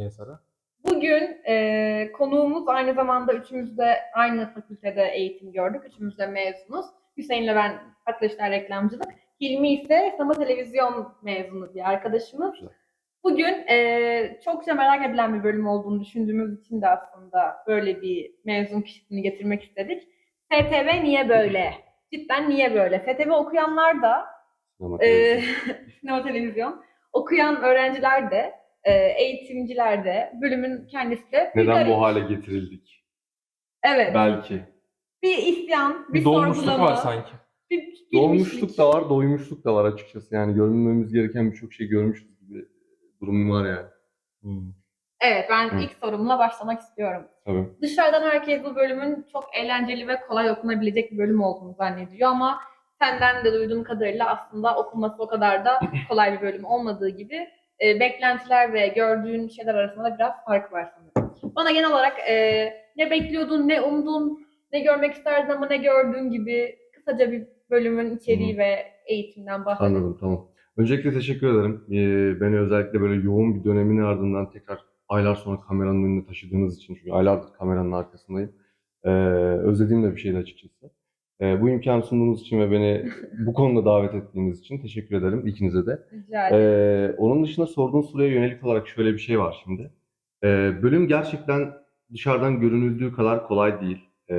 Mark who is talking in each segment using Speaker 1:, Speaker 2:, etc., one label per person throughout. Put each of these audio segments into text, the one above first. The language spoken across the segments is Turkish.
Speaker 1: Sara?
Speaker 2: Bugün konuğumuz aynı zamanda üçümüz de aynı fakültede eğitim gördük. Üçümüz de mezunuz. Hüseyin'le ben arkadaşlar reklamcılık. Hilmi ise sinema televizyon mezunu bir arkadaşımız. Bugün çokça merak edilen bir bölüm olduğunu düşündüğümüz için de aslında böyle bir mezun kişisini getirmek istedik. STV niye böyle? Cidden niye böyle? STV okuyanlar da sinema televizyon okuyan öğrenciler de eğitimciler de bölümün kendisi de
Speaker 3: neden bu hale getirildik?
Speaker 2: Evet.
Speaker 3: Belki.
Speaker 2: Bir isyan, bir
Speaker 1: Dolmuşluk
Speaker 2: sorgulama.
Speaker 1: var sanki.
Speaker 2: Bir
Speaker 3: Dolmuşluk da var, doymuşluk da var açıkçası. Yani görmemiz gereken birçok şey görmüşüz gibi durum var yani.
Speaker 2: Evet, ben ilk sorumla başlamak istiyorum.
Speaker 3: Tabii.
Speaker 2: Dışarıdan herkes bu bölümün çok eğlenceli ve kolay okunabilecek bir bölüm olduğunu zannediyor ama senden de duyduğum kadarıyla aslında okunması o kadar da kolay bir bölüm olmadığı gibi beklentiler ve gördüğün şeyler arasında biraz fark var sanırım. Bana genel olarak ne bekliyordun, ne umdun, ne görmek isterdin ama ne gördüğün gibi kısaca bir bölümün içeriği ve eğitimden bahsedelim.
Speaker 3: Anladım, tamam. Öncelikle teşekkür ederim. Beni özellikle böyle yoğun bir dönemin ardından tekrar aylar sonra kameranın önüne taşıdığınız için. Çünkü aylardır kameranın arkasındayım. Özlediğim de bir şeydi açıkçası. Bu imkanı sunduğunuz için ve beni bu konuda davet ettiğiniz için teşekkür ederim ikinize de.
Speaker 2: Rica ederim.
Speaker 3: Onun dışında sorduğunuz soruya yönelik olarak şöyle bir şey var şimdi. Bölüm gerçekten dışarıdan görünüldüğü kadar kolay değil.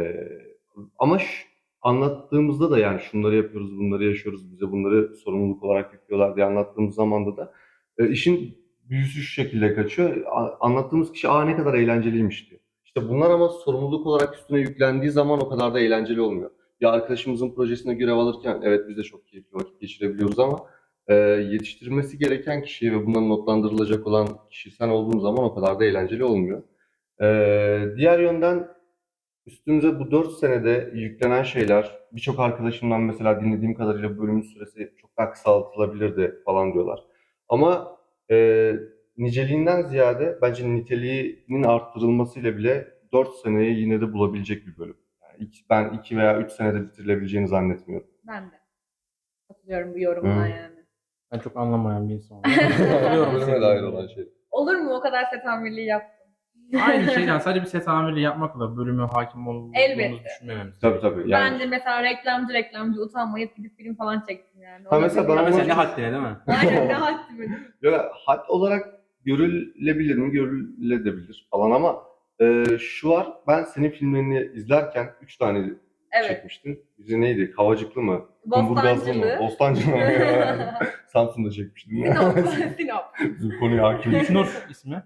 Speaker 3: Ama anlattığımızda da yani şunları yapıyoruz, bunları yaşıyoruz, bize bunları sorumluluk olarak yüklüyorlar diye anlattığımız zamanda da işin büyüsü şu şekilde kaçıyor. Anlattığımız kişi ne kadar eğlenceliymiş diyor. İşte bunlar ama sorumluluk olarak üstüne yüklendiği zaman o kadar da eğlenceli olmuyor. Bir arkadaşımızın projesine görev alırken evet biz de çok keyifli vakit geçirebiliyoruz ama yetiştirmesi gereken kişi ve bundan notlandırılacak olan kişi sen olduğun zaman o kadar da eğlenceli olmuyor. Diğer yönden üstümüze bu 4 senede yüklenen şeyler, birçok arkadaşımdan mesela dinlediğim kadarıyla bölümün süresi çok daha kısaltılabilirdi falan diyorlar. Ama niceliğinden ziyade bence niteliğinin arttırılmasıyla bile 4 seneyi yine de bulabilecek bir bölüm. Yani ben 2 veya 3 senede bitirilebileceğini zannetmiyorum.
Speaker 2: Ben de katılıyorum bu yorumuna yani.
Speaker 1: Ben çok anlamayan bir insanım.
Speaker 3: Bölüme dair olan şey.
Speaker 2: Olur mu o kadar set amirliği yaptın?
Speaker 1: Aynı şey yani sadece bir set amirliği yapmakla bölüme hakim olduğumuzu
Speaker 2: Elbette.
Speaker 1: düşünmememiz.
Speaker 3: Tabii. Yani,
Speaker 2: Ben de mesela reklamcı utanmayıp gidip film falan çektim yani.
Speaker 3: Ha, mesela
Speaker 1: Ya
Speaker 3: bana
Speaker 1: mesela ne haddine değil mi?
Speaker 2: Aynen ne haddime değil mi?
Speaker 3: ya, had olarak görülebilir mi? Görülebilir falan ama şu var, ben senin filmlerini izlerken 3 tane
Speaker 2: Evet.
Speaker 3: çekmiştin. Bizi neydi? Kavacıklı mı? Kumburgazlı mı?
Speaker 2: Bostancılı.
Speaker 3: Bostancı mı? Samsun'da çekmiştin.
Speaker 2: Sinop.
Speaker 3: Bizim konuya hakim.
Speaker 1: Şnur ismi.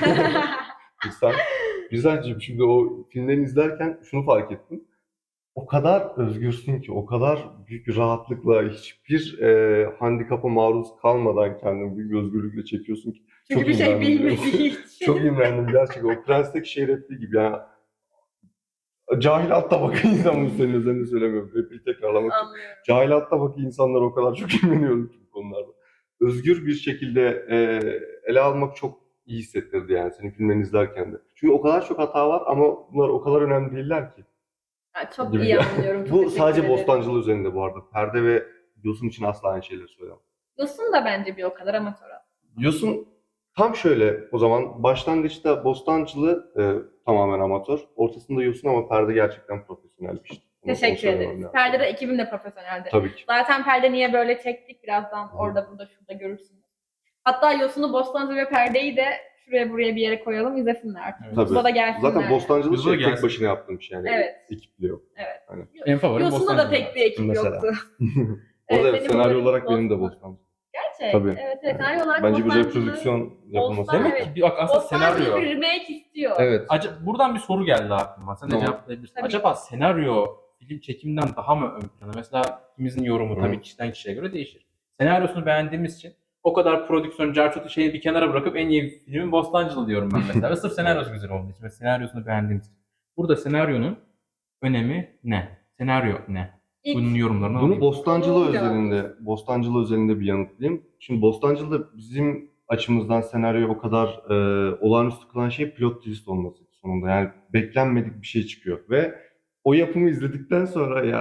Speaker 3: Güzelce şimdi o filmlerini izlerken şunu fark ettim. O kadar özgürsün ki, o kadar büyük bir rahatlıkla, hiçbir handikapa maruz kalmadan kendini büyük bir özgürlükle çekiyorsun ki.
Speaker 2: Çünkü
Speaker 3: çok
Speaker 2: bir şey
Speaker 3: imrendim.
Speaker 2: bilmediği için.
Speaker 3: Çok imrendim gerçekten. O Prens'teki şey repliği gibi yani. Cahil alt tabaka insanları senin özelinde söylemiyorum. Repliği tekrarlamak için.
Speaker 2: Anlıyorum.
Speaker 3: Cahil alt tabaka insanlar o kadar çok imreniyorum ki bu konularda. Özgür bir şekilde ele almak çok iyi hissettirdi yani senin filmlerini izlerken de. Çünkü o kadar çok hata var ama bunlar o kadar önemli değiller ki.
Speaker 2: Ha, çok
Speaker 3: Gibi
Speaker 2: iyi
Speaker 3: ya.
Speaker 2: anlıyorum. Çok
Speaker 3: Bu
Speaker 2: teşekkür
Speaker 3: sadece
Speaker 2: ederim.
Speaker 3: Bostancılı üzerinde bu arada. Perde ve Yosun için asla aynı şeyleri söylemem.
Speaker 2: Yosun da bence bir o kadar amatör aslında.
Speaker 3: Yosun tam şöyle o zaman başlangıçta Bostancılı tamamen amatör. Ortasında Yosun ama Perde gerçekten profesyonel bir iş.
Speaker 2: Teşekkür ederiz. Perde de ekibim de profesyoneldi.
Speaker 3: Tabii ki.
Speaker 2: Zaten Perde niye böyle çektik birazdan orada burada şurada görürsünüz. Hatta Yosun'u, Bostancı ve Perde'yi de şuraya buraya bir yere koyalım izlesinler artık.
Speaker 1: Evet.
Speaker 3: Tabii.
Speaker 2: YouTube'a da gelsinler.
Speaker 3: Zaten Bostancılı
Speaker 1: Yosun'a
Speaker 3: şey tek
Speaker 1: gelsin.
Speaker 3: başına yaptığım şey yani.
Speaker 2: Evet.
Speaker 3: Ekiple yok.
Speaker 2: Evet.
Speaker 3: Hani.
Speaker 1: En favorim
Speaker 2: Yosun'da da pek bir ekip
Speaker 3: Mesela.
Speaker 2: yoktu.
Speaker 3: Orada
Speaker 2: senin
Speaker 3: senaryo
Speaker 2: bölümün
Speaker 3: olarak benim de
Speaker 2: Bostancı.
Speaker 3: Bostancı.
Speaker 2: Gerçek.
Speaker 3: Tabii.
Speaker 2: Evet, senaryo olarak
Speaker 3: Bence bir
Speaker 2: Bostancı'nı-
Speaker 3: reprodüksiyon yapılması.
Speaker 2: Bostan-
Speaker 1: Demek
Speaker 2: Evet.
Speaker 1: ki bak aslında
Speaker 2: Bostancı
Speaker 1: senaryo.
Speaker 2: bir remake istiyor.
Speaker 3: Evet.
Speaker 1: Buradan bir soru geldi aklıma. Sen de
Speaker 3: Tamam.
Speaker 1: cevaplayabilirsin.
Speaker 2: Tabii.
Speaker 1: Acaba senaryo film çekiminden daha mı ön plana? Mesela ikimizin yorumu
Speaker 3: Hı.
Speaker 1: tabii kişiden kişiye göre değişir. Senaryosunu beğendiğimiz için o kadar prodüksiyon, carçotu şeyi bir kenara bırakıp en iyi filmin Bostancılı diyorum ben mesela. Ve sırf senaryosu güzel olduğu için ve senaryosunu beğendiğimiz için. Burada senaryonun önemi ne? Senaryo ne?
Speaker 2: İlk-
Speaker 1: Bunun yorumlarını
Speaker 3: Bunu
Speaker 1: alayım.
Speaker 3: Bostancılı özelinde bir yanıtlayayım. Şimdi Bostancılı'da bizim açımızdan senaryo o kadar olağanüstü kılan şey plot twist olması sonunda. Yani beklenmedik bir şey çıkıyor ve o yapımı izledikten sonra ya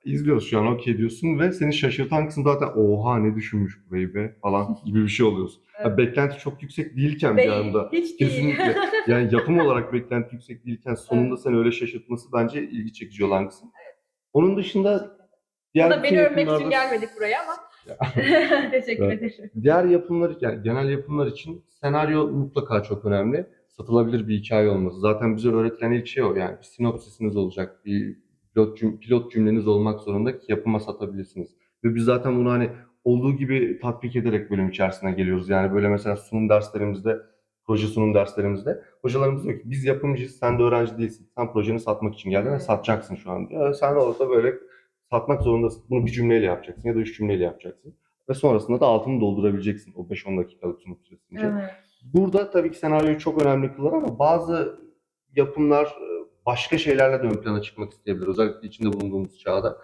Speaker 3: izliyoruz şu an okey diyorsun ve seni şaşırtan kısım zaten oha ne düşünmüş burayı be falan gibi bir şey oluyorsun.
Speaker 2: Evet.
Speaker 3: Ya beklenti çok yüksek değilken bir
Speaker 2: Değil,
Speaker 3: anda
Speaker 2: hiç değil.
Speaker 3: kesinlikle yani yapım olarak beklenti yüksek değilken sonunda
Speaker 2: Evet.
Speaker 3: seni öyle şaşırtması bence ilgi çekici olan kısım. Onun dışında
Speaker 2: O
Speaker 3: diğer
Speaker 2: da
Speaker 3: bütün
Speaker 2: beni övmek için
Speaker 3: yapımlarda
Speaker 2: gelmedik buraya ama teşekkür
Speaker 3: Evet.
Speaker 2: ederim.
Speaker 3: Diğer yapımlar yani genel yapımlar için senaryo mutlaka çok önemli. Satılabilir bir hikaye olması. Zaten bize öğretilen ilk şey o yani bir sinopsisiniz olacak, bir pilot cümleniz olmak zorunda ki yapıma satabilirsiniz. Ve biz zaten bunu hani olduğu gibi tatbik ederek bölüm içerisine geliyoruz. Yani böyle mesela sunum derslerimizde, proje sunum derslerimizde hocalarımız diyor ki biz yapımcıyız, sen de öğrenci değilsin. Sen projeni satmak için geldin ve satacaksın şu an diyor. Sen orada böyle satmak zorundasın. Bunu bir cümleyle yapacaksın ya da 3 cümleyle yapacaksın. Ve sonrasında da altını doldurabileceksin o 5-10 dakikalık sunum süresince.
Speaker 2: Evet.
Speaker 3: Burada tabii ki senaryoyu çok önemli kılar ama bazı yapımlar başka şeylerle de ön plana çıkmak isteyebilir. Özellikle içinde bulunduğumuz çağda.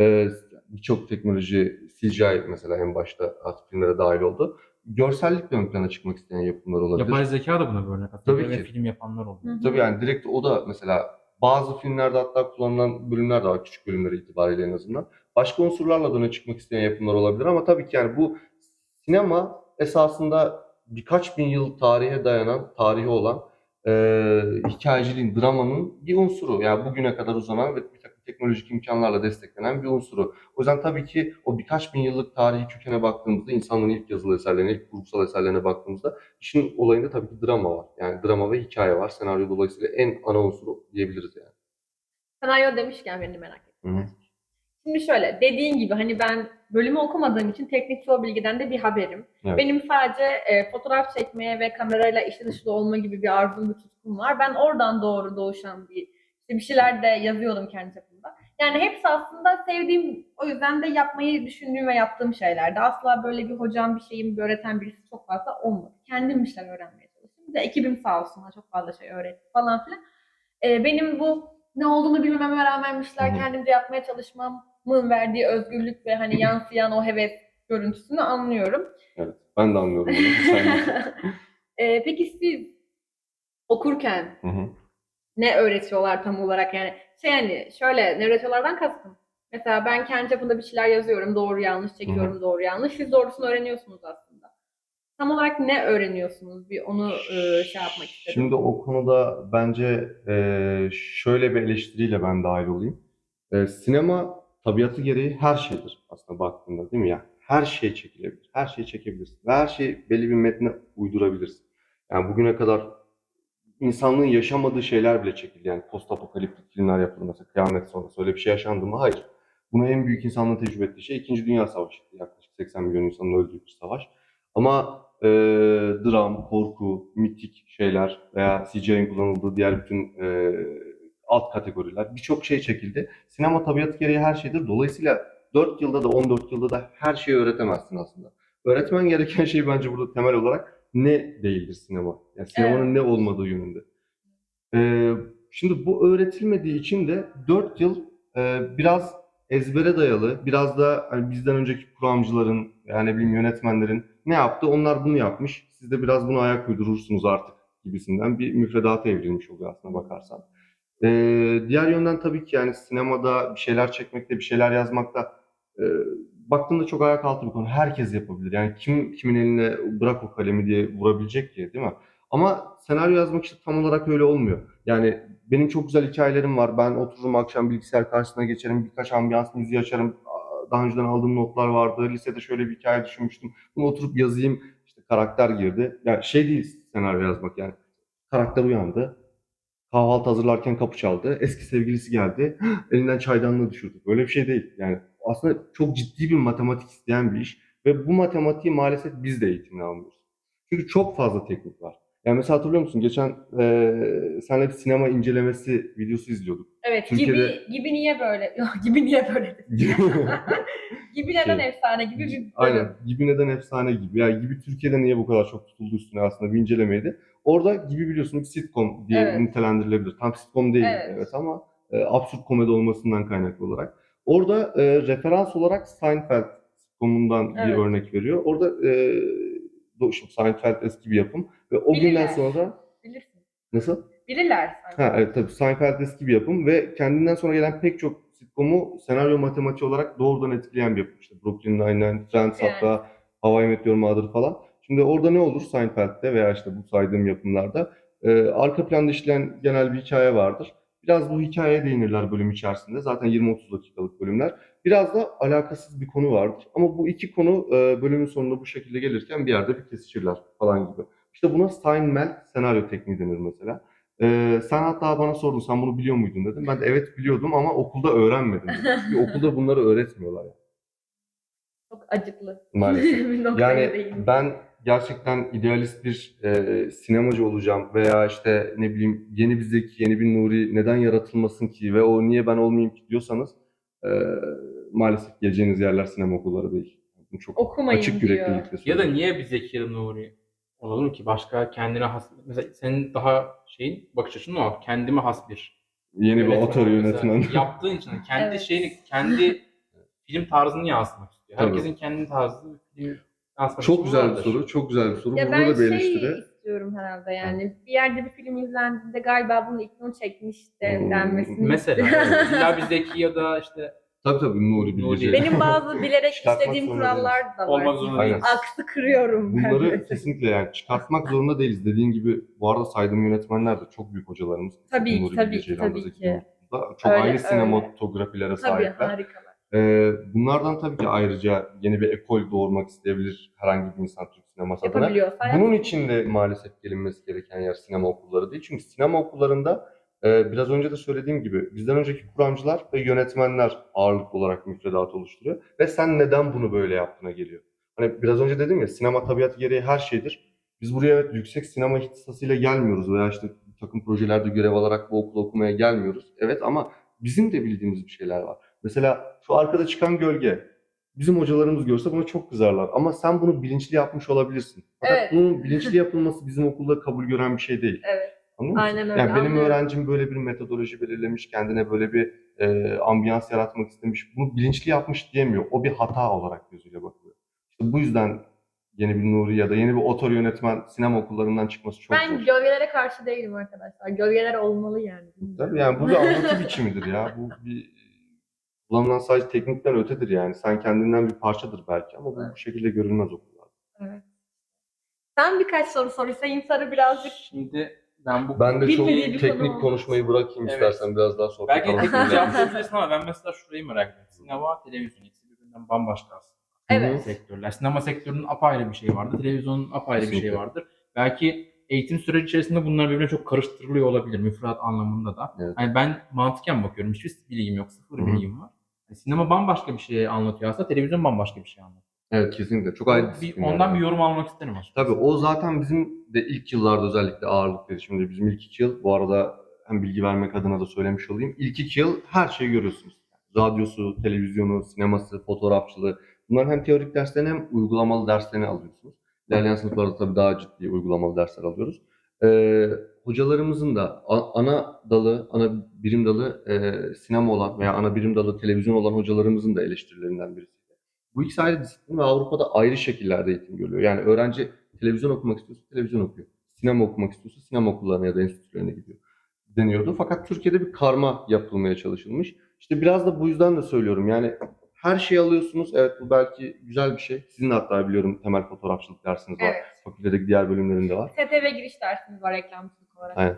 Speaker 3: Birçok teknoloji, CGI mesela en başta artık filmlere dahil oldu. Görsellikle ön plana çıkmak isteyen yapımlar olabilir.
Speaker 1: Yapay zeka da buna bir örnek aslında.
Speaker 3: Tabii
Speaker 1: Ve
Speaker 3: ki.
Speaker 1: film yapanlar oluyor.
Speaker 2: Hı hı.
Speaker 3: Tabii yani direkt o da mesela bazı filmlerde hatta kullanılan bölümler de var küçük bölümleri itibariyle en azından. Başka unsurlarla da öne çıkmak isteyen yapımlar olabilir ama tabii ki yani bu sinema esasında birkaç bin yıl tarihi olan hikayeciliğin, dramanın bir unsuru. Yani bugüne kadar uzanan ve bir takım teknolojik imkanlarla desteklenen bir unsuru. O yüzden tabii ki o birkaç bin yıllık tarihi kökene baktığımızda, insanlığın ilk yazılı eserlerine, ilk kurgusal eserlerine baktığımızda işin olayında tabii ki drama var. Yani drama ve hikaye var. Senaryo dolayısıyla en ana unsuru diyebiliriz yani.
Speaker 2: Senaryo demişken beni merak ettim.
Speaker 3: Hı hı.
Speaker 2: Şimdi şöyle, dediğin gibi hani ben bölümü okumadığım için teknik çoğu bilgiden de bir haberim.
Speaker 3: Evet.
Speaker 2: Benim sadece fotoğraf çekmeye ve kamerayla içli dışlı olma gibi bir arzum, bir tutkum var. Ben oradan doğru doğuşan bir şeyler de yazıyordum kendi çapımda. Yani hepsi aslında sevdiğim, o yüzden de yapmayı düşündüğüm ve yaptığım şeylerdi. Asla böyle bir hocam, bir şeyim, bir öğreten birisi çok fazla olmadı. Kendim bir şeyler öğrenmeye çalıştım. Bir de ekibim sağ olsun çok fazla şey öğretti falan filan. Benim bu ne olduğunu bilmememe rağmen bir şeyler
Speaker 3: Hı hı.
Speaker 2: kendimce yapmaya çalışmamın verdiği özgürlük ve hani yansıyan o heves görüntüsünü anlıyorum.
Speaker 3: Evet. Ben de anlıyorum bunu. Sen de.
Speaker 2: Peki siz okurken
Speaker 3: Hı hı.
Speaker 2: ne öğretiyorlar tam olarak yani yani şöyle ne öğretiyorlardan kastım. Mesela ben kendi çapımda bir şeyler yazıyorum, doğru yanlış çekiyorum, doğru yanlış. Siz doğrusunu öğreniyorsunuz aslında. Tam olarak ne öğreniyorsunuz? Bir onu şey yapmak istedim.
Speaker 3: Şimdi o konuda bence şöyle bir eleştiriyle ben dahil olayım. Sinema tabiatı gereği her şeydir aslında baktığında değil mi ya? Her şey çekilebilir, her şeyi çekebilirsin ve her şeyi belli bir metne uydurabilirsin. Yani bugüne kadar insanlığın yaşamadığı şeyler bile çekildi. Yani post apokaliptik filmler yapıldı mesela kıyamet sonrası öyle bir şey yaşandı mı? Hayır. Bunu en büyük insanlığın tecrübe ettiği şey 2. Dünya Savaşı'ydı. Yaklaşık 80 milyon insanın öldüğü bir savaş. Ama dram, korku, mitik şeyler veya CGI'nin kullanıldığı diğer bütün alt kategoriler birçok şey çekildi. Sinema tabiatı gereği her şeydir. Dolayısıyla 4 yılda da 14 yılda da her şeyi öğretemezsin aslında. Öğretmen gereken şey bence burada temel olarak ne değildir sinema? Yani sinemanın
Speaker 2: Evet.
Speaker 3: ne olmadığı yönünde. Şimdi bu öğretilmediği için de 4 yıl biraz ezbere dayalı, biraz da hani bizden önceki kuramcıların, yani ne bileyim yönetmenlerin ne yaptı? Onlar bunu yapmış. Siz de biraz buna ayak uydurursunuz artık gibisinden bir müfredata evrilmiş oluyor aslına bakarsan. Diğer yönden tabii ki yani sinemada bir şeyler çekmekte, bir şeyler yazmakta e, baktığında çok ayak altı bir konu. Herkes yapabilir. Yani kimin eline bırak o kalemi diye vurabilecek ki, değil mi? Ama senaryo yazmak işte tam olarak öyle olmuyor. Yani benim çok güzel hikayelerim var. Ben otururum akşam bilgisayar karşısına geçerim, birkaç ambiyans müziği açarım. Daha önceden aldığım notlar vardı. Lisede şöyle bir hikaye düşünmüştüm. Bunu oturup yazayım. İşte karakter girdi. Yani şey değil senaryo yazmak yani. Karakter uyandı. Kahvaltı hazırlarken kapı çaldı. Eski sevgilisi geldi. Elinden çaydanlığı düşürdü. Böyle bir şey değil. Yani aslında çok ciddi bir matematik isteyen bir iş. Ve bu matematiği maalesef biz de eğitimini almıyoruz. Çünkü çok fazla teknik var. Yani mesela hatırlıyor musun? Geçen seninle bir sinema incelemesi videosu izliyorduk.
Speaker 2: Evet,
Speaker 3: Türkiye'de
Speaker 2: gibi niye böyle? Yok, gibi niye böyle dedim. Gibi neden
Speaker 3: şey,
Speaker 2: efsane gibi bir
Speaker 3: aynen.
Speaker 2: bölüm.
Speaker 3: Gibi neden efsane gibi. Yani gibi Türkiye'de niye bu kadar çok tutuldu üstüne aslında bir incelemeydi. Orada gibi biliyorsun bir sitcom diye
Speaker 2: Evet.
Speaker 3: nitelendirilebilir. Tam sitcom değil
Speaker 2: Evet.
Speaker 3: evet ama absürt komedi olmasından kaynaklı olarak. Orada referans olarak Seinfeld sitcomundan bir
Speaker 2: Evet.
Speaker 3: örnek veriyor. Orada şimdi Seinfeld eski bir yapım ve o günden
Speaker 2: Bilirler.
Speaker 3: sonra
Speaker 2: Bilirsin.
Speaker 3: nasıl?
Speaker 2: Bilirler sanki.
Speaker 3: Ha evet tabii Seinfeld eski bir yapım ve kendinden sonra gelen pek çok sitcom'u senaryo matematiği olarak doğrudan etkileyen bir yapım. İşte Brooklyn Nine-Nine, Friends,
Speaker 2: Evet.
Speaker 3: hatta How I Met Your Mother falan. Şimdi orada ne olur Seinfeld'de veya işte bu saydığım yapımlarda arka planda işleyen genel bir hikaye vardır. Biraz bu hikayeye değinirler bölüm içerisinde. Zaten 20-30 dakikalık bölümler. Biraz da alakasız bir konu vardır. Ama bu iki konu bölümün sonunda bu şekilde gelirken bir yerde bir kesişirler falan gibi. İşte buna Steinmetz senaryo tekniği denir mesela. Sen hatta bana sordun, sen bunu biliyor muydun dedim. Ben de evet biliyordum ama okulda öğrenmedim dedim. Çünkü okulda bunları öğretmiyorlar yani.
Speaker 2: Çok acıklı.
Speaker 3: Maalesef.
Speaker 2: Bir noktaya
Speaker 3: Yani
Speaker 2: değindim.
Speaker 3: ben gerçekten idealist bir sinemacı olacağım veya işte ne bileyim yeni bir Zeki, yeni bir Nuri neden yaratılmasın ki ve o niye ben olmayayım ki diyorsanız e, maalesef geleceğiniz yerler sinema okulları değil. Bunu çok
Speaker 2: Okumayın
Speaker 3: açık
Speaker 2: diyor.
Speaker 3: yüreklilikle
Speaker 1: Ya da
Speaker 3: söylüyorum.
Speaker 1: niye bir Zeki Nuri olalım ki? Başka kendine has... Mesela senin daha şeyin bakış açın o. Kendime has bir
Speaker 3: Yeni bir
Speaker 1: yönetmen
Speaker 3: otör
Speaker 1: ol. Mesela
Speaker 3: yönetmen.
Speaker 1: yaptığın için kendi
Speaker 2: Evet.
Speaker 1: şeyini, kendi film tarzını yansıtmak istiyor.
Speaker 3: Tabii.
Speaker 1: Herkesin kendi tarzı film yansıtmak
Speaker 3: Çok
Speaker 1: için
Speaker 3: güzel bir
Speaker 1: vardır.
Speaker 3: soru, çok güzel bir soru.
Speaker 2: Ya
Speaker 3: Burada
Speaker 2: ben
Speaker 3: da bir
Speaker 2: şey
Speaker 3: eleştiri.
Speaker 2: istiyorum herhalde yani. Bir yerde bir film izlendiğinde galiba bunun ilk onu çekmiş de denmesini
Speaker 1: Mesela
Speaker 2: istiyorum.
Speaker 1: evet. İlla bir Zeki ya da işte
Speaker 3: Tabii Nuri
Speaker 1: Nuri.
Speaker 3: Bilge
Speaker 2: Benim bazı bilerek
Speaker 3: Çıkartmak
Speaker 2: işlediğim
Speaker 3: zorunda
Speaker 2: kurallar da var.
Speaker 1: Olmak zorunda
Speaker 3: Aynen.
Speaker 1: değil.
Speaker 2: Aksı kırıyorum ben.
Speaker 3: Bunları
Speaker 2: mesela.
Speaker 3: kesinlikle yani çıkartmak zorunda değiliz. Dediğin gibi bu arada saydığım yönetmenler de çok büyük hocalarımız.
Speaker 2: Tabii ki,
Speaker 3: Nuri
Speaker 2: tabii
Speaker 3: Bilge
Speaker 2: ki,
Speaker 3: Ceylan da
Speaker 2: tabii
Speaker 3: Zeki
Speaker 2: ki.
Speaker 3: Yurt'ta. Çok
Speaker 2: Öyle,
Speaker 3: ayrı
Speaker 2: öyle.
Speaker 3: sinematografilere
Speaker 2: Tabii
Speaker 3: sahipler.
Speaker 2: harikalar.
Speaker 3: Bunlardan tabii ki ayrıca yeni bir ekol doğurmak isteyebilir herhangi bir insan Türk sineması adına.
Speaker 2: Yapabiliyorsa
Speaker 3: Bunun
Speaker 2: yapsın.
Speaker 3: için de maalesef gelinmesi gereken yer sinema okulları değil. Çünkü sinema okullarında biraz önce de söylediğim gibi bizden önceki kuramcılar ve yönetmenler ağırlıklı olarak müfredatı oluşturuyor. Ve sen neden bunu böyle yaptığına geliyor. Hani biraz önce dedim ya sinema tabiatı gereği her şeydir. Biz buraya evet yüksek sinema ihtisasıyla gelmiyoruz veya işte bir takım projelerde görev alarak bu okulu okumaya gelmiyoruz. Evet ama bizim de bildiğimiz bir şeyler var. Mesela şu arkada çıkan gölge. Bizim hocalarımız görse buna çok kızarlar. Ama sen bunu bilinçli yapmış olabilirsin. Fakat
Speaker 2: Evet.
Speaker 3: bunun bilinçli yapılması bizim okulda kabul gören bir şey değil.
Speaker 2: Evet.
Speaker 3: Anlıyor musun?
Speaker 2: Aynen öyle.
Speaker 3: Yani benim
Speaker 2: anlıyorum.
Speaker 3: öğrencim böyle bir metodoloji belirlemiş, kendine böyle bir ambiyans yaratmak istemiş. Bunu bilinçli yapmış diyemiyor. O bir hata olarak gözüyle bakılıyor. İşte bu yüzden yeni bir Nuri ya da yeni bir otor yönetmen sinema okullarından çıkması çok
Speaker 2: Ben
Speaker 3: zor.
Speaker 2: gölgelere karşı değilim arkadaşlar. Gölgeler olmalı yani.
Speaker 3: Tabii yani bu bir anlatı biçimidir ya. Bu bir kullanılan sadece teknikten ötedir yani. Sen kendinden bir parçadır belki ama bu şekilde görülmez okullarda.
Speaker 2: Evet. Sen birkaç soru sor. Hüseyin Sarı birazcık
Speaker 1: Şimdi ben bu
Speaker 3: Ben de çok
Speaker 2: Bilmediği bir konu
Speaker 3: teknik
Speaker 2: oldu.
Speaker 3: konuşmayı bırakayım
Speaker 1: Evet.
Speaker 3: istersen biraz daha sohbet
Speaker 1: belki de
Speaker 3: alanı
Speaker 1: teknik
Speaker 3: kullanalım.
Speaker 1: cevaplayabilirsin ama ben mesela şurayı merak ediyorum. Sinema, televizyon ikisi birbirinden bambaşka aslında.
Speaker 2: Evet.
Speaker 1: Sektörler. Sinema sektörünün apayrı bir şey vardır. Televizyonun apayrı bir şey
Speaker 3: Kesinlikle.
Speaker 1: vardır. Belki eğitim süreci içerisinde bunlar birbirine çok karıştırılıyor olabilir. Müfredat anlamında da.
Speaker 3: Evet.
Speaker 1: Yani ben mantıken bakıyorum. Hiçbir bilgim yok. Sıfır
Speaker 3: Hı hı.
Speaker 1: bilgim var. Yani sinema bambaşka bir şey anlatıyor aslında. Televizyon bambaşka bir şey anlatıyor.
Speaker 3: Evet kesinlikle. Çok ayrı
Speaker 1: Bir,
Speaker 3: disiplinler.
Speaker 1: ondan
Speaker 3: yani.
Speaker 1: bir yorum almak isterim açıkçası.
Speaker 3: Tabii o zaten bizim de ilk yıllarda özellikle ağırlıklıydı. Şimdi bizim ilk 2 yıl bu arada hem bilgi vermek adına da söylemiş olayım. İlk 2 yıl her şeyi görüyorsunuz. Radyosu, televizyonu, sineması, fotoğrafçılığı. Bunların hem teorik derslerini hem uygulamalı derslerini alıyorsunuz. İlerleyen sınıflarda tabii daha ciddi uygulamalı dersler alıyoruz. Hocalarımızın da ana dalı, ana birim dalı sinema olan veya ana birim dalı televizyon olan hocalarımızın da eleştirilerinden birisi. Bu ikisi ayrı disiplin ve Avrupa'da ayrı şekillerde eğitim görüyor. Yani öğrenci televizyon okumak istiyorsa televizyon okuyor. Sinema okumak istiyorsa sinema okullarına ya da enstitülerine gidiyor deniyordu. Fakat Türkiye'de bir karma yapılmaya çalışılmış. İşte biraz da bu yüzden de söylüyorum. Yani her şeyi alıyorsunuz. Evet bu belki güzel bir şey. Sizin de hatta biliyorum temel fotoğrafçılık dersiniz var.
Speaker 2: Evet.
Speaker 3: Fakültedeki diğer bölümlerinde var.
Speaker 2: STV giriş dersimiz var reklamcılık olarak.
Speaker 3: Aynen.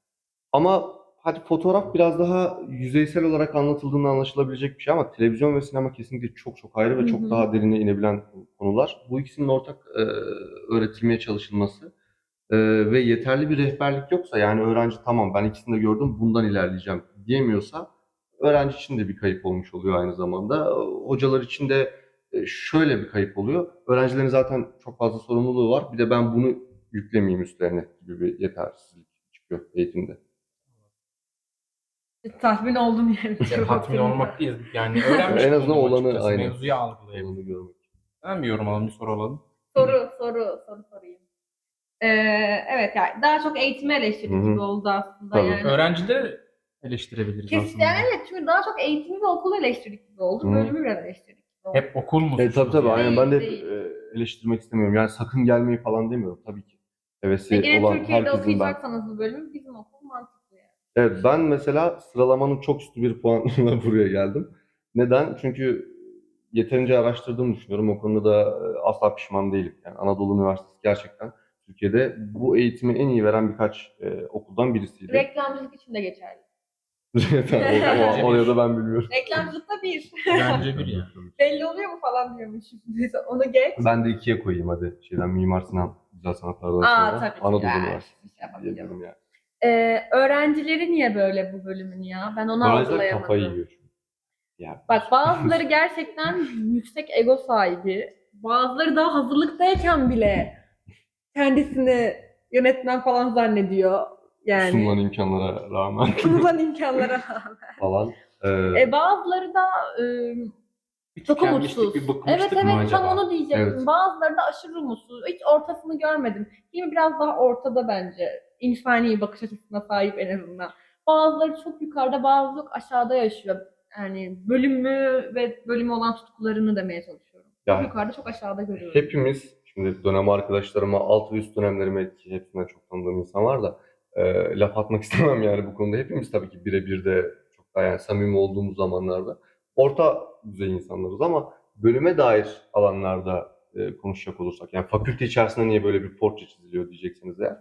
Speaker 3: Ama hadi fotoğraf biraz daha yüzeysel olarak anlatıldığında anlaşılabilecek bir şey ama televizyon ve sinema kesinlikle çok çok ayrı ve
Speaker 2: Hı
Speaker 3: çok
Speaker 2: hı.
Speaker 3: daha derine inebilen konular. Bu ikisinin ortak öğretilmeye çalışılması ve yeterli bir rehberlik yoksa yani öğrenci tamam ben ikisini de gördüm bundan ilerleyeceğim diyemiyorsa öğrenci için de bir kayıp olmuş oluyor aynı zamanda. Hocalar için de şöyle bir kayıp oluyor. Öğrencilerin zaten çok fazla sorumluluğu var. Bir de ben bunu yüklemeyeyim üstlerine gibi bir yetersizlik çıkıyor eğitimde.
Speaker 2: Tatmin oldum yani.
Speaker 1: Tatmin olmak değil. Yani öğrenmiş
Speaker 3: En azından
Speaker 1: bulundum
Speaker 3: olanı,
Speaker 1: açıkçası.
Speaker 3: aynen.
Speaker 1: Mevzuyu algılayabilirim.
Speaker 3: Olanı görmek.
Speaker 1: Ben bir yorum alalım, bir soru alalım.
Speaker 2: Soru sorayım. Evet yani daha çok eğitimi eleştirdik
Speaker 3: Hı hı.
Speaker 2: gibi oldu aslında
Speaker 3: Tabii.
Speaker 2: yani.
Speaker 1: Öğrencileri eleştirebiliriz
Speaker 2: Kesin
Speaker 1: aslında.
Speaker 2: yani evet çünkü daha çok eğitimi ve okulu eleştirdik gibi oldu.
Speaker 3: Hı.
Speaker 2: Bölümü biraz eleştirdik gibi oldu.
Speaker 1: Hep okul mu suçlu
Speaker 3: Tabii
Speaker 1: diye.
Speaker 3: aynen ben de
Speaker 2: Değil.
Speaker 3: eleştirmek istemiyorum. Yani sakın gelmeyi falan demiyorum tabii ki. Hevesi
Speaker 2: Yine
Speaker 3: olan
Speaker 2: Türkiye'de
Speaker 3: herkesin ben.
Speaker 2: okuyacaksanız bu bölümü bizim okul mantıklı yani.
Speaker 3: Evet, ben mesela sıralamanın çok üstü bir puanla buraya geldim. Neden? Çünkü yeterince araştırdığımı düşünüyorum. O konuda da asla pişman değilim. Yani Anadolu Üniversitesi gerçekten Türkiye'de bu eğitimi en iyi veren birkaç okuldan birisiydi.
Speaker 2: Reklamcılık için de geçerli.
Speaker 3: Tamam, oraya da ben bilmiyorum.
Speaker 2: Reklamcılıkta bir.
Speaker 1: Bence bir ya.
Speaker 2: Belli oluyor mu falan diyormuşum. Neyse onu geç.
Speaker 3: Ben de ikiye koyayım hadi. Mimar Sinan Güzel Sanatlar'dan
Speaker 2: Aa
Speaker 3: sonra
Speaker 2: tabii ki.
Speaker 3: Anadolu
Speaker 2: ya.
Speaker 3: Üniversitesi
Speaker 2: Şey yapabilirim.
Speaker 3: diyebilirim yani.
Speaker 2: Öğrencileri niye böyle bu bölümün ya? Ben onu
Speaker 3: Öğrenciler kafayı
Speaker 2: algılayamadım.
Speaker 3: yiyor çünkü. Yani.
Speaker 2: Bak bazıları gerçekten yüksek ego sahibi. Bazıları daha hazırlıktayken bile kendisini yönetmen falan zannediyor.
Speaker 3: Sunulan
Speaker 2: Yani
Speaker 3: imkanlara rağmen
Speaker 2: sunulan imkanlara rağmen.
Speaker 3: falan.
Speaker 2: Bazıları da
Speaker 1: Bir
Speaker 2: çok
Speaker 1: tükenmişlik,
Speaker 2: umutsuz.
Speaker 1: bir bıkmışlık
Speaker 2: Evet
Speaker 1: mı
Speaker 2: tam
Speaker 1: acaba?
Speaker 2: onu diyecektim.
Speaker 3: Evet.
Speaker 2: Bazıları da aşırı umutsuz. Hiç ortasını görmedim. Kimi biraz daha ortada bence. İnsani bakış açısına sahip en azından. Bazıları çok yukarıda, bazıları çok aşağıda yaşıyor. Yani bölümü ve bölümü olan tutkularını demeye çalışıyorum. Çok
Speaker 3: Yani
Speaker 2: yukarıda, çok aşağıda görüyorum.
Speaker 3: hepimiz, şimdi dönem arkadaşlarıma, alt ve üst dönemlerime ki hepsinden çok tanıdığım insan var da laf atmak istemem yani bu konuda. Hepimiz tabii ki birebir de çok daha yani samimi olduğumuz zamanlarda orta düzey insanlarız ama bölüme dair alanlarda konuşacak olursak, yani fakülte içerisinde niye böyle bir portre çiziliyor diyeceksiniz eğer.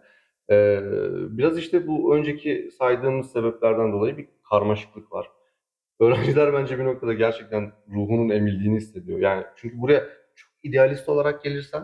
Speaker 3: Biraz işte bu önceki saydığımız sebeplerden dolayı bir karmaşıklık var. Öğrenciler bence bir noktada gerçekten ruhunun emildiğini hissediyor. Yani çünkü buraya çok idealist olarak gelirsen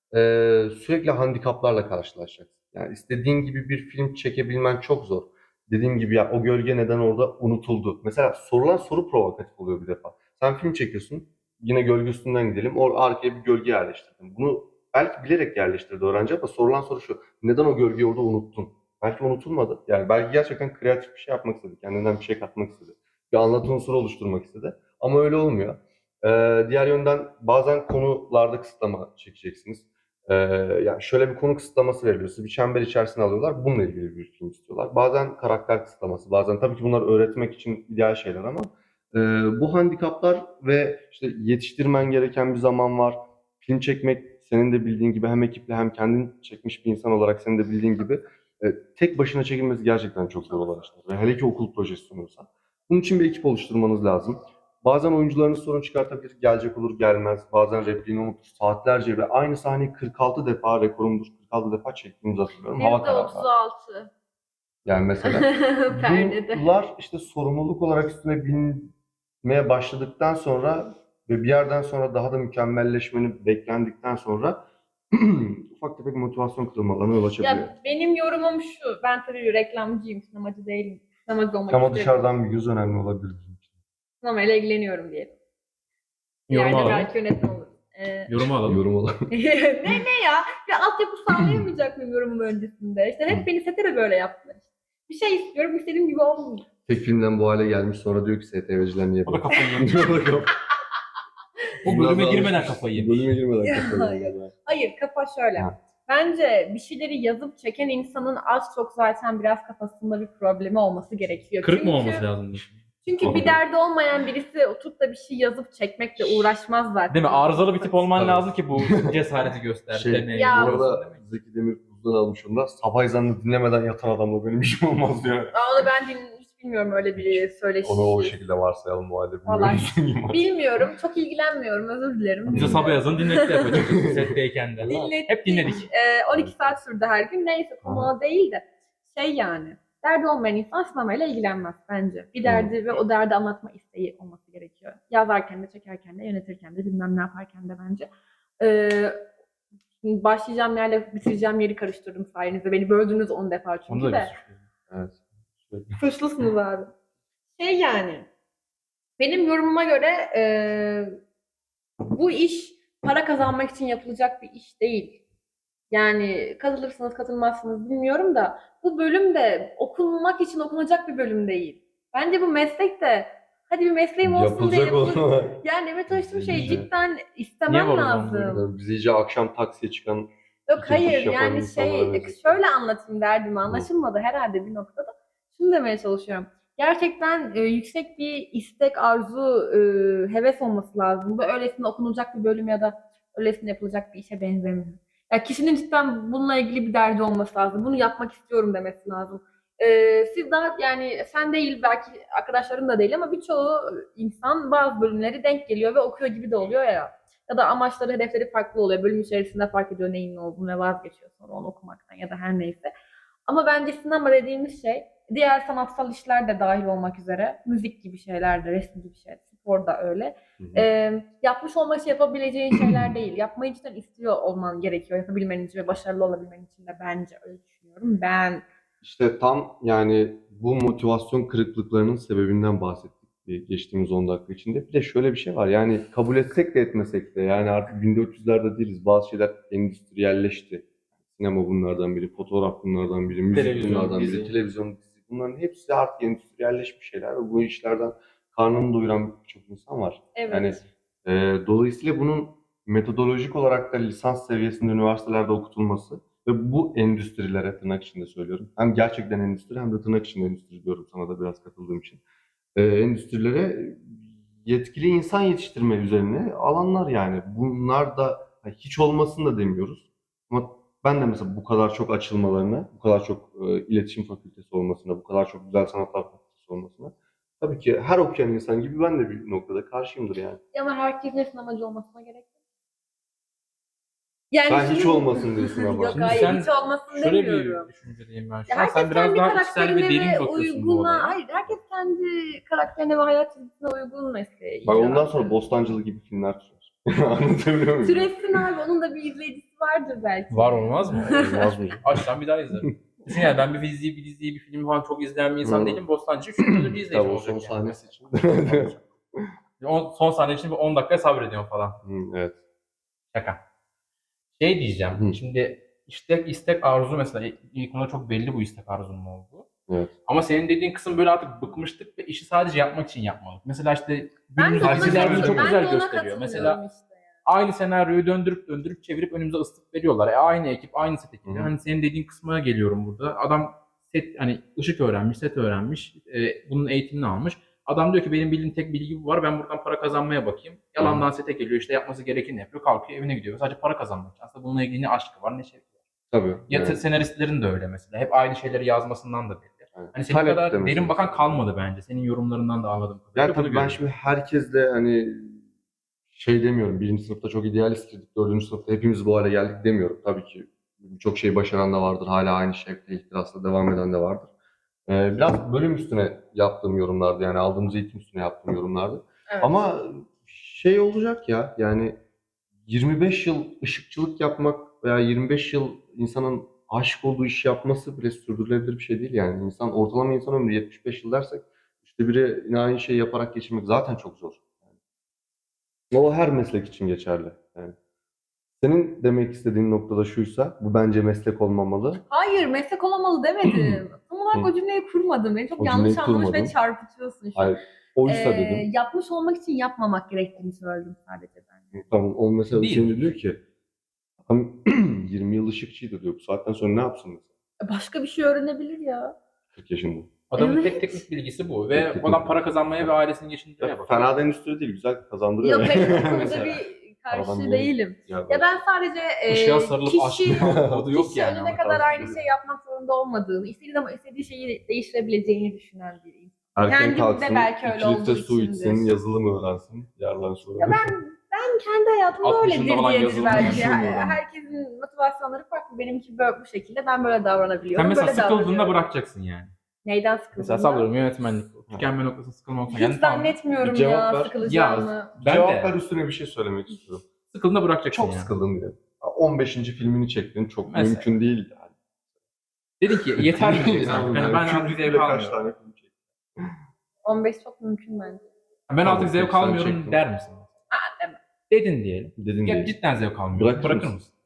Speaker 3: sürekli handikaplarla karşılaşacaksın. Yani istediğin gibi bir film çekebilmen çok zor. Dediğim gibi ya o gölge neden orada unutuldu? Mesela sorulan soru provokatif oluyor bir defa. Sen film çekiyorsun, yine gölge üstünden gidelim. Arkaya bir gölge yerleştirdin. Bunu belki bilerek yerleştirdi öğrenci ama sorulan soru şu. Neden o gölgeyi orada unuttun? Belki unutulmadı. Yani belki gerçekten kreatif bir şey yapmak istedi. Kendinden bir şey katmak istedi. Bir anlatı unsuru oluşturmak istedi. Ama öyle olmuyor. Diğer yönden bazen konularda kısıtlama çekeceksiniz. Yani şöyle bir konu kısıtlaması veriliyor. Sizi bir çember içerisine alıyorlar. Bununla ilgili bir film istiyorlar. Bazen karakter kısıtlaması, bazen tabii ki bunlar öğretmek için ideal şeyler ama bu handikaplar ve işte yetiştirmen gereken bir zaman var. Film çekmek senin de bildiğin gibi hem ekiple hem kendin çekmiş bir insan olarak senin de bildiğin gibi tek başına çekilmesi gerçekten çok zor olan işler. Ve hele ki okul projesi sunuyorsan. Bunun için bir ekip oluşturmanız lazım. Bazen oyuncularınız sorun çıkartabilir, gelecek olur gelmez. Bazen repliğini unutur, saatlerce ve aynı sahneyi 46 defa, rekorumdur 46 defa çektiğimizi hatırlıyorum. Hava kararı.
Speaker 2: %36.
Speaker 3: Yani mesela
Speaker 2: Perdede.
Speaker 3: bunlar işte sorumluluk olarak üstüne binmeye başladıktan sonra ve bir yerden sonra daha da mükemmelleşmeni beklendikten sonra ufak tefek motivasyon kırılmalarına yol açabiliyor.
Speaker 2: Ya benim yorumum şu. Ben tabii reklamcıyım, sinemacı değilim. Sinemacı olmak
Speaker 3: Ama
Speaker 2: isterim.
Speaker 3: dışarıdan bir göz önemli olabilir bizim için.
Speaker 2: Sinemayla ilgileniyorum diyelim.
Speaker 1: Yorumu
Speaker 2: İleride
Speaker 1: alalım.
Speaker 2: belki yönetmen olurum.
Speaker 1: Yorumu alalım.
Speaker 3: Yorum olarak.
Speaker 2: ne ya? Bir altyapı sağlayamayacak mıyım yorumum öncesinde? İşte hep beni sete de böyle yaptılar. Bir şey istiyorum, istediğim gibi olmuyor.
Speaker 3: Tek filmden bu hale gelmiş sonra diyor ki STV'ciler niye
Speaker 1: O da
Speaker 3: böyle?
Speaker 1: kafayı yiyor. Bu bölüme girmeden kafayı yemiş.
Speaker 3: Bölüme girmeden
Speaker 2: Ya,
Speaker 3: kafayı
Speaker 2: ya.
Speaker 3: yemiş.
Speaker 2: Hayır, kafa şöyle.
Speaker 3: Ha.
Speaker 2: Bence bir şeyleri yazıp çeken insanın az çok zaten biraz kafasında bir problemi olması gerekiyor.
Speaker 1: Kırık mı
Speaker 2: Çünkü-
Speaker 1: olması lazım?
Speaker 2: Çünkü bir derdi olmayan birisi oturup da bir şey yazıp çekmekle uğraşmaz zaten.
Speaker 1: Değil mi? Arızalı bir tip olman
Speaker 3: Tabii.
Speaker 1: lazım ki bu cesareti göster. demeye.
Speaker 2: Ya-
Speaker 3: Bu arada Zeki Demirkubuz'dan almış onu da. Sabah ezanını dinlemeden yatan adamla benim işim olmaz diyor.
Speaker 2: Onu ben hiç bilmiyorum öyle bir söyleşi.
Speaker 3: Onu o şekilde varsayalım o halde.
Speaker 2: Vallahi
Speaker 3: Bilmiyorum.
Speaker 2: bilmiyorum. Çok ilgilenmiyorum. Özür dilerim.
Speaker 1: Bize sabah yazın dinletti hep açıkçası setteyken de.
Speaker 2: Dinlettik.
Speaker 1: Hep dinledik.
Speaker 2: 12 saat sürdü her gün. Neyse konu o değil de. Şey yani. Derdi olmayan insan sinemayla ilgilenmez bence. Bir derdi ve o derdi anlatma isteği olması gerekiyor. Yazarken de, çekerken de, yönetirken de, bilmem ne yaparken de bence. Başlayacağım yerle bitireceğim yeri karıştırdım sayenizde. Beni böldünüz 10 defa
Speaker 1: Onu
Speaker 2: çünkü
Speaker 1: da
Speaker 2: de.
Speaker 3: Evet.
Speaker 2: Suçlusunuz abi. Şey yani. Benim yorumuma göre bu iş para kazanmak için yapılacak bir iş değil. Yani katılırsınız katılmazsınız bilmiyorum da bu bölüm de okunmak için okunacak bir bölüm değil. Bence bu meslek de hadi bir mesleğim olsun diye
Speaker 3: Yapılacak
Speaker 2: yapılır.
Speaker 3: olan.
Speaker 2: Yani evet çalıştığım şey
Speaker 3: İyice.
Speaker 2: cidden
Speaker 1: Niye
Speaker 2: istemem
Speaker 1: var o zaman
Speaker 2: lazım.
Speaker 3: Biz iyice akşam taksiye çıkan
Speaker 2: Yok
Speaker 3: İki
Speaker 2: hayır
Speaker 3: iş yapan
Speaker 2: yani
Speaker 3: insanlara
Speaker 2: şey
Speaker 3: benziyor.
Speaker 2: şöyle anlatayım derdimi anlaşılmadı herhalde bir noktada. Şunu demeye çalışıyorum. Gerçekten yüksek bir istek, arzu, heves olması lazım. Bu öylesine okunacak bir bölüm ya da öylesine yapılacak bir işe benzemiyor. Ya kişinin cidden bununla ilgili bir derdi olması lazım. Bunu yapmak istiyorum demesi lazım. Siz daha yani sen değil belki arkadaşların da değil ama birçoğu insan bazı bölümleri denk geliyor ve okuyor gibi de oluyor ya. Ya da amaçları, hedefleri farklı oluyor. Bölüm içerisinde fark ediyor neyin ne olduğunu ve vazgeçiyor sonra onu okumaktan ya da her neyse. Ama bence sinema dediğimiz şey diğer sanatsal işler de dahil olmak üzere müzik gibi şeyler de, resim gibi şeyler, spor da öyle.
Speaker 3: Hı hı.
Speaker 2: Yapmış olmak için yapabileceğin şeyler değil. Yapmayı cidden istiyor olman gerekiyor yapabilmen için ve başarılı olabilmen için de bence öyle düşünüyorum. Ben
Speaker 3: İşte tam yani bu motivasyon kırıklıklarının sebebinden bahsettik geçtiğimiz 10 dakika içinde. Bir de şöyle bir şey var yani kabul etsek de etmesek de yani artık 1400'lerde değiliz. Bazı şeyler endüstriyelleşti. Sinema bunlardan biri, fotoğraf bunlardan biri, müzik
Speaker 1: Televizyon,
Speaker 3: bunlardan biri,
Speaker 1: dizi.
Speaker 3: televizyon, dizi. Bunların hepsi artık endüstriyelleşmiş şeyler ve bu işlerden karnını doyuran birçok insan var.
Speaker 2: evet.
Speaker 3: Yani dolayısıyla bunun metodolojik olarak da lisans seviyesinde üniversitelerde okutulması ve bu endüstrilere tırnak içinde söylüyorum. Hem gerçekten endüstri hem de tırnak içinde endüstri diyorum sana da biraz katıldığım için. Endüstrilere yetkili insan yetiştirme üzerine alanlar yani. Bunlar da hiç olmasını da demiyoruz. Ama ben de mesela bu kadar çok açılmalarına, bu kadar çok iletişim fakültesi olmasına, bu kadar çok güzel sanatlar fakültesi olmasına tabii ki her okuyan insan gibi ben de bir noktada karşıyımdır yani.
Speaker 2: Ama herkesin sinemacı olmasına gerek yok. Yani
Speaker 3: Sen hiç
Speaker 2: şunu-
Speaker 3: olmasın diyorsun ama.
Speaker 2: Yok
Speaker 1: Şimdi
Speaker 2: hayır
Speaker 1: sen
Speaker 2: hiç olmasın
Speaker 1: Şöyle
Speaker 2: demiyorum.
Speaker 1: bir düşüncedeyim ben
Speaker 2: Ya
Speaker 1: şu an.
Speaker 2: herkes
Speaker 1: Sen biraz
Speaker 2: kendi
Speaker 1: daha içsel ve
Speaker 2: karakterine
Speaker 1: derin
Speaker 2: ve
Speaker 1: bakıyorsun bu
Speaker 2: uyguna,
Speaker 1: olaya.
Speaker 2: hayır herkes kendi karakterine ve hayat çizgisine uygun mesleği
Speaker 3: Bak
Speaker 2: icra
Speaker 3: ondan sonra
Speaker 2: eder.
Speaker 3: Bostancılı gibi filmler türer. Anlatabiliyor muyum?
Speaker 2: Türetsin abi onun da bir izleyicisi vardır belki.
Speaker 1: Var olmaz mı?
Speaker 3: Olmaz mı?
Speaker 1: Açsam bir daha izlerim. Düşün yani ben bir diziyi, bir diziyi, bir filmi falan çok izleyen bir insan
Speaker 3: Hı.
Speaker 1: değilim. Bostancı 3 yıldır bir izleyicim
Speaker 3: Tabii o
Speaker 1: olacak
Speaker 3: son
Speaker 1: yani.
Speaker 3: sahnesi için.
Speaker 1: Son sahne için bir 10 dakika sabrediyorum falan.
Speaker 3: Evet.
Speaker 1: Şaka. Şey diyeceğim.
Speaker 3: Hı.
Speaker 1: Şimdi istek arzu mesela ilk ona çok belli bu istek arzunun olduğu.
Speaker 3: Evet.
Speaker 1: Ama senin dediğin kısım böyle artık bıkmıştık ve işi sadece yapmak için yapmalık. Mesela işte
Speaker 2: Ben de
Speaker 1: günümüz
Speaker 2: ona
Speaker 1: diziler bunu çok
Speaker 2: katılıyorum.
Speaker 1: güzel
Speaker 2: Ben de ona
Speaker 1: gösteriyor.
Speaker 2: katılıyorum
Speaker 1: Mesela
Speaker 2: işte.
Speaker 1: aynı senaryoyu döndürüp döndürüp çevirip önümüze ıslık veriyorlar. Aynı ekip, aynı set ekibi.
Speaker 3: Hı hı.
Speaker 1: Hani senin dediğin kısmına geliyorum burada. Adam set hani ışık öğrenmiş, set öğrenmiş, bunun eğitimini almış. Adam diyor ki benim bildiğim tek bilgi bu var. Ben buradan para kazanmaya bakayım. Yalandan sete geliyor. İşte yapması gerekeni yapıyor. Kalkıyor evine gidiyor. Sadece para kazanmak için. Aslında bununla ilgili ne aşkı var ne şey var.
Speaker 3: Tabii.
Speaker 1: Ya
Speaker 3: Yani.
Speaker 1: senaristlerin de öyle mesela. Hep aynı şeyleri yazmasından da belli.
Speaker 3: Yani
Speaker 1: Hani senin
Speaker 3: talep
Speaker 1: kadar
Speaker 3: de
Speaker 1: derin
Speaker 3: meselesi.
Speaker 1: bakan kalmadı bence. Senin yorumlarından da anladığım kadarıyla.
Speaker 3: Yani
Speaker 1: bunu
Speaker 3: tabii ben
Speaker 1: görüyorum.
Speaker 3: şimdi herkesle hani şey demiyorum. Birinci sınıfta çok idealisttik. Dördüncü sınıfta hepimiz bu hale geldik demiyorum. Tabii ki birçok şey başaran da vardır. Hala aynı şekilde ihtirasla devam eden de vardır. Biraz bölüm üstüne yaptığım yorumlardı. Yani aldığımız eğitim üstüne yaptığım yorumlardı.
Speaker 2: Evet.
Speaker 3: Ama şey olacak ya yani 25 yıl ışıkçılık yapmak veya 25 yıl insanın aşık olduğu işi yapması bile sürdürülebilir bir şey değil yani. Ortalama insan ömrü 75 yıl dersek işte biri yine aynı şeyi yaparak geçirmek zaten çok zor. O her meslek için geçerli. Yani. Senin demek istediğin noktada şuysa, bu bence meslek olmamalı.
Speaker 2: Hayır meslek olamalı demedim. Tam olarak o cümleyi kurmadım. Beni çok
Speaker 3: O
Speaker 2: yanlış
Speaker 3: cümleyi
Speaker 2: anlamış ve
Speaker 3: kurmadın.
Speaker 2: çarpıtıyorsun şu an.
Speaker 3: Hayır, oysa dedim.
Speaker 2: Yapmış olmak için yapmamak gerektiğini söyledim sadece ben.
Speaker 3: Tamam, o mesela
Speaker 1: Değil.
Speaker 3: şimdi diyor ki, adam 20 yıl ışıkçıydı diyor. Bu saatten sonra ne yapsın mesela?
Speaker 2: Başka bir şey öğrenebilir ya.
Speaker 3: 40 yaşında.
Speaker 1: Adamın
Speaker 2: Evet.
Speaker 1: tek teknik bilgisi bu.
Speaker 3: Tek
Speaker 1: Ve
Speaker 3: teknik
Speaker 1: adam
Speaker 3: bilgisi.
Speaker 1: para kazanmaya ve ailesini geçindirmeye
Speaker 3: Ya,
Speaker 1: bakıyor.
Speaker 3: fena da endüstri değil, güzel kazandırıyor.
Speaker 2: Yok hayır o konuda
Speaker 1: Mesela.
Speaker 2: bir
Speaker 3: Aradan
Speaker 2: karşı
Speaker 3: niye-
Speaker 2: değilim. Ya ben sadece
Speaker 1: Işığa sarılıp
Speaker 2: kişi,
Speaker 1: aşkın modu yok
Speaker 2: kişi
Speaker 1: yani.
Speaker 2: önüne
Speaker 1: ama
Speaker 2: kadar
Speaker 1: tarzı
Speaker 2: aynı
Speaker 1: değil.
Speaker 2: şey yapmak zorunda olmadığını, istediği zaman istediği şeyi değiştirebileceğini düşünen biriyim.
Speaker 3: Erken
Speaker 2: Kendimde
Speaker 3: kalksın,
Speaker 2: belki öyle
Speaker 3: 2 litre
Speaker 2: olduğu
Speaker 3: su
Speaker 2: içindir.
Speaker 3: içsin, yazılım öğrensin. Yarlan sonra.
Speaker 2: Ya ben kendi hayatımda
Speaker 1: 60
Speaker 2: öyledir
Speaker 1: yaşında olan
Speaker 2: diyedir
Speaker 1: yazılım
Speaker 2: belki.
Speaker 1: yazılım öğrenmiş.
Speaker 2: Herkesin motivasyonları farklı. Benimki böyle bu şekilde. Ben böyle davranabiliyorum.
Speaker 1: Sen mesela
Speaker 2: böyle
Speaker 1: sıkıldığında
Speaker 2: davranıyorum.
Speaker 1: bırakacaksın yani.
Speaker 2: Neyden sıkıldığında?
Speaker 1: Mesela sallıyorum yönetmenlik. Tükenme noktasında sıkılma noktasında.
Speaker 2: Hiç zannetmiyorum
Speaker 3: Bir cevap
Speaker 2: ya
Speaker 3: ver.
Speaker 2: sıkılacağımı.
Speaker 1: Ben
Speaker 3: Cevap
Speaker 1: de.
Speaker 3: ver üstüne bir şey söylemek istiyorum.
Speaker 1: Sıkıldığında bırakacaksın
Speaker 3: Çok
Speaker 1: yani.
Speaker 3: sıkıldım diye. 15. filmini çektin. Çok
Speaker 1: Mesela.
Speaker 3: mümkün değil yani.
Speaker 1: Dedin ki yeter mi diyeceksin artık. Hani ben artık
Speaker 3: Kubrick'le
Speaker 1: zevk
Speaker 3: kaç
Speaker 1: almıyorum.
Speaker 3: tane film çektin?
Speaker 2: 15 çok mümkün bence.
Speaker 1: Ben
Speaker 3: Tamam,
Speaker 1: artık zevk
Speaker 3: peki, sen
Speaker 1: almıyorum
Speaker 3: çektin.
Speaker 1: der misin?
Speaker 2: Demem.
Speaker 1: Dedin diyelim.
Speaker 3: Dedin
Speaker 1: Ya
Speaker 3: diye.
Speaker 1: cidden zevk almıyorum.
Speaker 3: Bırakır
Speaker 1: Bırakır
Speaker 3: mısın?
Speaker 1: mısın?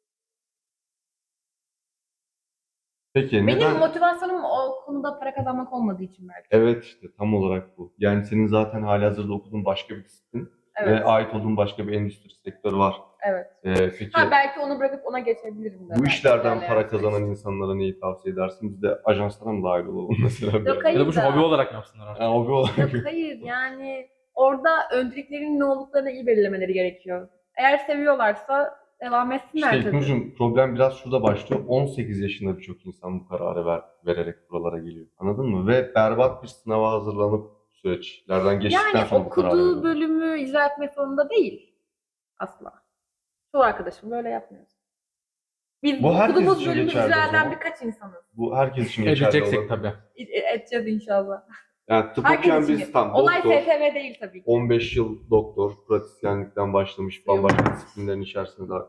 Speaker 3: Peki
Speaker 2: Benim
Speaker 3: neden?
Speaker 2: motivasyonum o konuda para kazanmak olmadığı için belki.
Speaker 3: Evet işte tam olarak bu. Yani senin zaten halihazırda okuduğun başka bir disiplin
Speaker 2: Evet.
Speaker 3: ve ait olduğun başka bir endüstri sektörü var.
Speaker 2: Evet.
Speaker 3: Peki
Speaker 2: Ha belki onu bırakıp ona geçebilirim de.
Speaker 3: bu
Speaker 2: belki
Speaker 3: işlerden
Speaker 2: ilerleyen
Speaker 3: para kazanan
Speaker 2: süreçte.
Speaker 3: insanlara neyi tavsiye edersin? Biz de ajanslara mı dahil olalım mesela?
Speaker 2: Yok hayır
Speaker 1: Ya da bu şu
Speaker 2: da.
Speaker 1: hobi olarak mı yapsınlar artık?
Speaker 3: Yani hobi olarak.
Speaker 2: Yok hayır yani orada önceliklerinin ne olduklarını iyi belirlemeleri gerekiyor. Eğer seviyorlarsa devam etsinler
Speaker 3: İşte
Speaker 2: tabii.
Speaker 3: İlknur'cum problem biraz şurada başlıyor. 18 yaşında birçok insan bu kararı vererek buralara geliyor. Anladın mı? Ve berbat bir sınava hazırlanıp süreçlerden geçtikten
Speaker 2: Yani
Speaker 3: sonra bu kararı
Speaker 2: okuduğu
Speaker 3: veriyorlar.
Speaker 2: bölümü icra etmek zorunda değil asla. Çoğu arkadaşım böyle yapmıyor. Biz
Speaker 3: Bu herkes
Speaker 2: okuduğumuz
Speaker 3: için
Speaker 2: bölümü
Speaker 3: geçerli
Speaker 2: icra
Speaker 3: o
Speaker 2: eden
Speaker 3: zaman.
Speaker 2: birkaç insanız.
Speaker 3: Bu herkes için geçerli
Speaker 1: Edeceksek
Speaker 3: olabilir.
Speaker 1: tabii.
Speaker 2: Edeceğiz inşallah.
Speaker 3: Yani tıp
Speaker 2: Herkes
Speaker 3: okuyan
Speaker 2: için.
Speaker 3: biz tam
Speaker 2: Olay
Speaker 3: doktor,
Speaker 2: STV değil tabii ki.
Speaker 3: 15 yıl doktor, pratisyenlikten başlamış, bambaşka disiplinlerin içerisinde daha...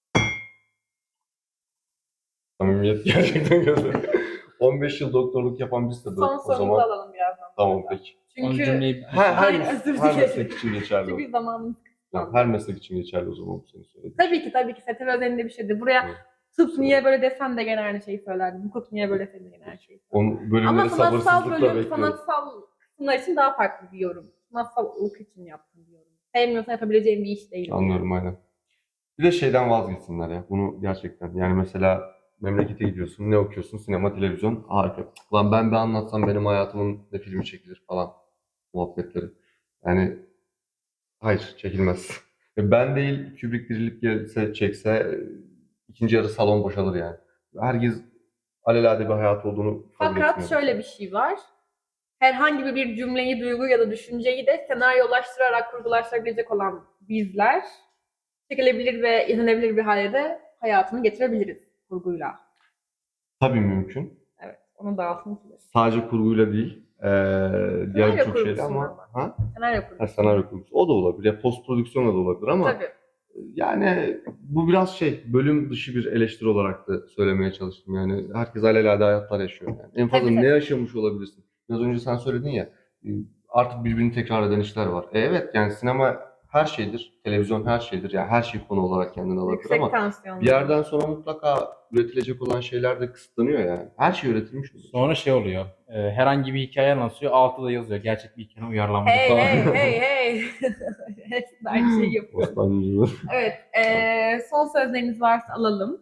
Speaker 3: Samimiyet gerçekten güzel. 15 yıl doktorluk yapan biz de böyle.
Speaker 2: Son
Speaker 3: O
Speaker 2: sorumuzu
Speaker 3: zaman
Speaker 2: alalım birazdan.
Speaker 3: tamam peki.
Speaker 1: Onun
Speaker 2: Çünkü
Speaker 1: cümleyi
Speaker 2: Ay, özür
Speaker 3: Her
Speaker 2: dilerim.
Speaker 3: meslek için geçerli o.
Speaker 2: çünkü zamanımız
Speaker 3: Yani her meslek için geçerli o zaman bu senin söylediğin.
Speaker 2: tabii ki STV özelinde bir şeydi. Buraya
Speaker 3: Evet.
Speaker 2: tıp niye böyle desem de gene aynı şeyi söylerdim. Hukuk niye böyle desem de gene aynı şeyi söylerdim.
Speaker 3: Onu bölümleri
Speaker 2: Ama sanatsal
Speaker 3: sabırsızlıkla
Speaker 2: bölüm,
Speaker 3: bekliyorum.
Speaker 2: sanatsal kısımlar için daha farklı bir yorum. Sanatsal hukuk için yaptım diyorum. Sevmiyorsan yapabileceğim bir iş değil.
Speaker 3: Anlıyorum aynen. Bir de şeyden vazgeçsinler ya. Bunu gerçekten. Yani mesela memlekete gidiyorsun. Ne okuyorsun? Sinema, televizyon. Harika. Lan ben bir anlatsam benim hayatımın ne filmi çekilir falan. Muhabbetleri. Yani hayır çekilmez. Ben değil Kubrick dirilip gelse çekse ikinci yarı salon boşalır yani. Herkes alelade bir hayat olduğunu kabul
Speaker 2: Fakat
Speaker 3: etmiyor.
Speaker 2: şöyle bir şey var. Herhangi bir cümleyi, duyguyu ya da düşünceyi de senaryolaştırarak kurgulaştırabilecek olan bizler çekilebilir ve izlenebilir bir hale de hayatını getirebiliriz kurguyla.
Speaker 3: Tabii mümkün.
Speaker 2: Evet, onu da altını çizelim.
Speaker 3: Sadece kurguyla değil. Diğer birçok şeyle
Speaker 2: kurgusundan
Speaker 3: ama
Speaker 2: bahsediyorum.
Speaker 3: ha?
Speaker 2: Senaryo
Speaker 3: Ha,
Speaker 2: kurgusu.
Speaker 3: senaryo kurgusu. O da olabilir. Ya post prodüksiyonla da olabilir ama
Speaker 2: Tabii.
Speaker 3: yani bu biraz bölüm dışı bir eleştiri olarak da söylemeye çalıştım. Yani herkes alelade hayatlar yaşıyor. Yani. En fazla
Speaker 2: Tabii,
Speaker 3: ne
Speaker 2: tabii.
Speaker 3: yaşamış olabilirsin? Biraz önce sen söyledin ya artık birbirini tekrar eden işler var. Evet yani sinema her şeydir. Televizyon her şeydir. Yani her şey konu olarak kendini alabilir
Speaker 2: Yüksek
Speaker 3: ama
Speaker 2: tansiyonlu.
Speaker 3: bir yerden sonra mutlaka üretilecek olan şeyler de kısıtlanıyor yani. Her şey üretilmiş oluyor.
Speaker 1: sonra şey oluyor. Herhangi bir hikaye anlatıyor. Altta da yazıyor. Gerçek bir hikaye uyarlanmış
Speaker 2: Hey
Speaker 1: falan.
Speaker 2: hey. Hepsi de aynı şeyi yapıyor.
Speaker 3: Osmanlıcılığı.
Speaker 2: Evet, son sözleriniz varsa alalım.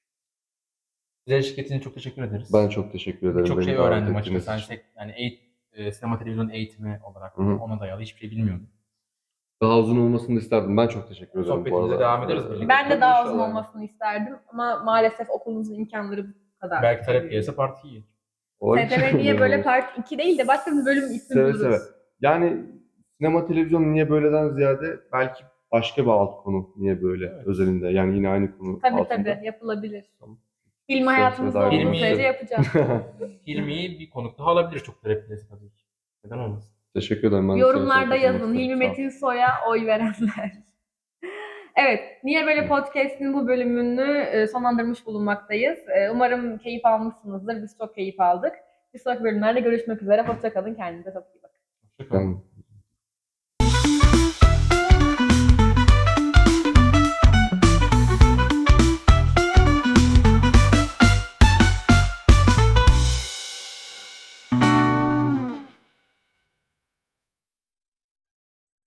Speaker 1: Bize eşlik ettiğiniz için çok teşekkür ederiz.
Speaker 3: Ben çok teşekkür ederim.
Speaker 1: Birçok
Speaker 3: beni
Speaker 1: şey
Speaker 3: davet
Speaker 1: öğrendim
Speaker 3: ettiğiniz
Speaker 1: açıkçası.
Speaker 3: için.
Speaker 1: Yani sinema televizyon eğitimi olarak
Speaker 3: Hı hı.
Speaker 1: ona dayalı hiçbir şey bilmiyordum.
Speaker 3: Daha uzun olmasını isterdim. Ben çok teşekkür ederim bu
Speaker 1: Sohbetimize
Speaker 3: arada.
Speaker 1: devam ederiz birlikte.
Speaker 2: Ben de daha uzun
Speaker 3: İnşallah.
Speaker 2: olmasını isterdim ama maalesef okulumuzun imkanları bu kadar.
Speaker 1: Belki talep gelirse parti iyi.
Speaker 3: Olabilir.
Speaker 2: STV niye böyle part 2 değil de başka bir bölüm ismi
Speaker 3: Seve
Speaker 2: buluruz.
Speaker 3: seve. Yani sinema televizyon niye böyleden ziyade belki başka bir alt konu niye böyle
Speaker 1: Evet.
Speaker 3: özelinde. Yani yine aynı konu
Speaker 2: Tabii
Speaker 3: altında.
Speaker 2: yapılabilir.
Speaker 3: Tamam.
Speaker 2: Film hayatımızda
Speaker 3: Seve seve
Speaker 2: olduğu
Speaker 1: davet
Speaker 2: sürece
Speaker 1: ederim.
Speaker 2: yapacağız.
Speaker 1: Hilmi'yi bir konuk daha alabilir çok talep gelirse tabii ki. Neden olmasın?
Speaker 3: Teşekkür ederim. Ben de
Speaker 2: Yorumlarda
Speaker 3: seve seve
Speaker 2: yazın.
Speaker 3: katılmak
Speaker 2: Hilmi
Speaker 3: isterim. Sağ ol.
Speaker 2: Metin Soy'a oy verenler. Evet, Niye Böyle Podcast'in bu bölümünü sonlandırmış bulunmaktayız. Umarım keyif almışsınızdır. Biz çok keyif aldık. Bir sonraki bölümlerde görüşmek üzere. Hoşça kalın. Kendinize çok iyi bakın.
Speaker 1: Hoşçakalın.
Speaker 3: Tamam.